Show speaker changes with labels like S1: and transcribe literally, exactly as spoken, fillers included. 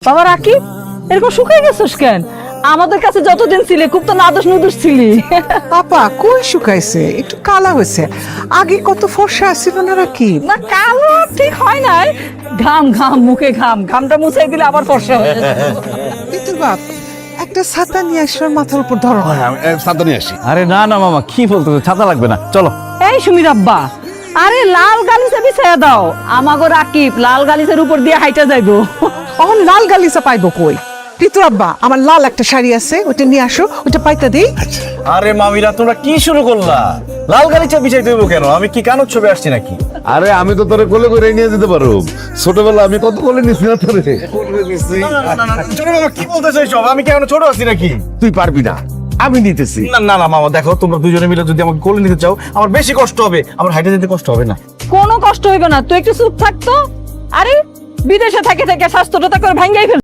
S1: বাবা রাকিব, এরকম শুকিয়ে গেছিস কেন? আমাদের কাছে যতদিন ছিলে খুব তো নাদুস নুদুস ছিলি।
S2: পাপা কই শুকাইছে, একটু কালা হয়েছে। আগে কত ফর্সা ছিল না রাকিব।
S1: না কালো ঠিক হয় নাই, ঘাম ঘাম মুখে ঘাম, ঘামটা মুছাই দিলে আবার ফর্সা হয়ে যায়।
S2: কিন্তু বাপ, একটা ছাতা নিয়ে আসবার মাথার উপর ধরো।
S3: ছাতা নিয়ে আসি।
S4: আরে না না মামা, কি বলতেছো, ছাতা লাগবে না, চলো।
S1: এই সুমির আব্বা, আরে লাল গালিচা বিছাইয়া দাও, আমাগো রাকিব লাল গালিচার উপর দিয়ে হাইটা যাইবো।
S2: অহন লাল গালিচা পাইবো কই? ঋতু আব্বা, আমার লাল একটা শাড়ি আছে, ওটা নিয়ে আসো, ওটা পাইতা দেই।
S4: আরে মামিরা, তোমরা কি শুরু করলা? লাল গালিচা বিছাই দেবো কেন? আমি কি কানোর ছবি আসছি নাকি?
S3: আরে আমি তো তোরে কোলে করে নিয়ে যেতে পারো। ছোটবেলা আমি কত কোলে নিছি না তোরে।
S4: ছোট মামা কি বলতেছো এসব? আমি কি এখনো ছোট আছি নাকি?
S3: তুই পারবি না, আমি নিতেছি।
S4: না না না মামা, দেখো তোমরা দুজনে মিলে যদি আমাকে কোলে নিতে চাও, আমার বেশি কষ্ট হবে, আমার হাইটে যেতে কষ্ট হবে না।
S1: কোনো কষ্ট হইবে না, তুই একটু চুপ থাকতো। আরে বিদেশে থেকে থেকে স্বাস্থ্যটা করে ভাঙ্গাই ফেল।